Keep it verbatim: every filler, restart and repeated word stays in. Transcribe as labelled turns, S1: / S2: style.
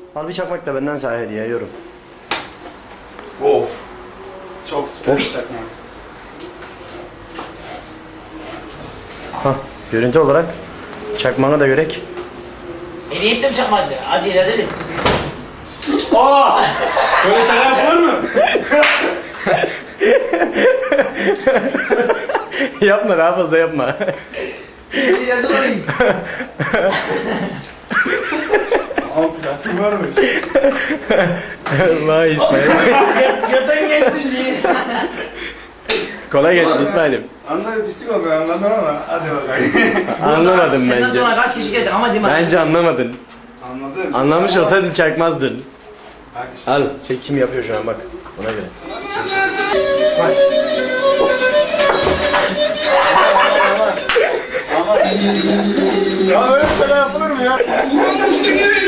S1: Al bir çakmak da benden sana hediye yorum.
S2: Of. Çok süper bir çakma.
S1: Hah, görüntü olarak çakmağını da görek.
S3: Hediye ettim çakmadı. Acı rezil.
S2: Aa! Böyle şeyler yapılır mı?
S1: Yapma, daha fazla yapma.
S3: Hediye rezil olayım.
S2: Ama platın var mı?
S1: Vay İsmail.
S3: Yatan geçti şey.
S1: Kolay gelsin İsmail'im.
S2: Anladım, pislik oldu anladım ama hadi bakalım.
S1: Anlamadın
S3: Senden
S1: bence.
S3: sonra kaç kişi geldi ama değil mi?
S1: Bence anlamadın.
S2: Anladım.
S1: Anlamış olsaydın çakmazdın.
S2: Bak işte.
S1: Al, çek kim yapıyor şu an bak. Ona göre.
S2: Ya öyle şeyler yapılır mı ya?